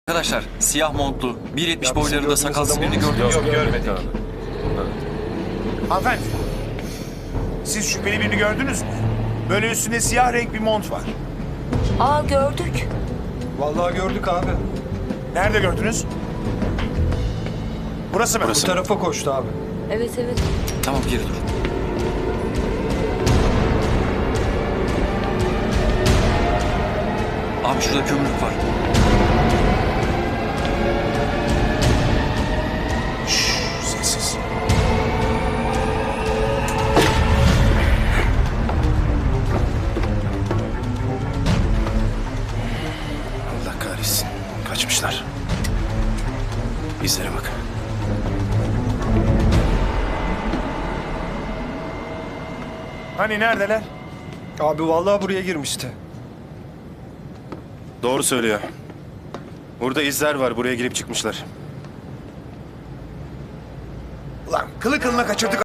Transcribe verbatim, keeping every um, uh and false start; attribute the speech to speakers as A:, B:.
A: Arkadaşlar siyah montlu, bir yetmiş
B: Ya bizim
A: boylarında
B: gördüğümüz
A: sakalsız
B: adam
A: birini
B: olmasın?
A: gördünüz mü?
B: Yok, görmedik.
C: Hanımefendi. Siz şüpheli birini gördünüz mü? Böyle üstünde siyah renk bir mont var.
D: Aa gördük.
B: Vallahi gördük abi.
C: Nerede gördünüz? Burası mı?
B: Bu tarafa koştu abi.
D: Evet evet.
A: Tamam geri dur. Abi şurada kömürlük var.
C: Şşş, sessiz.
E: Allah kahretsin. Kaçmışlar. İzlere bak.
C: Hani neredeler?
B: Abi vallahi buraya girmişti.
E: Doğru söylüyor. Burada izler var. Buraya girip çıkmışlar.
C: Ulan kılı kılına kaçırdık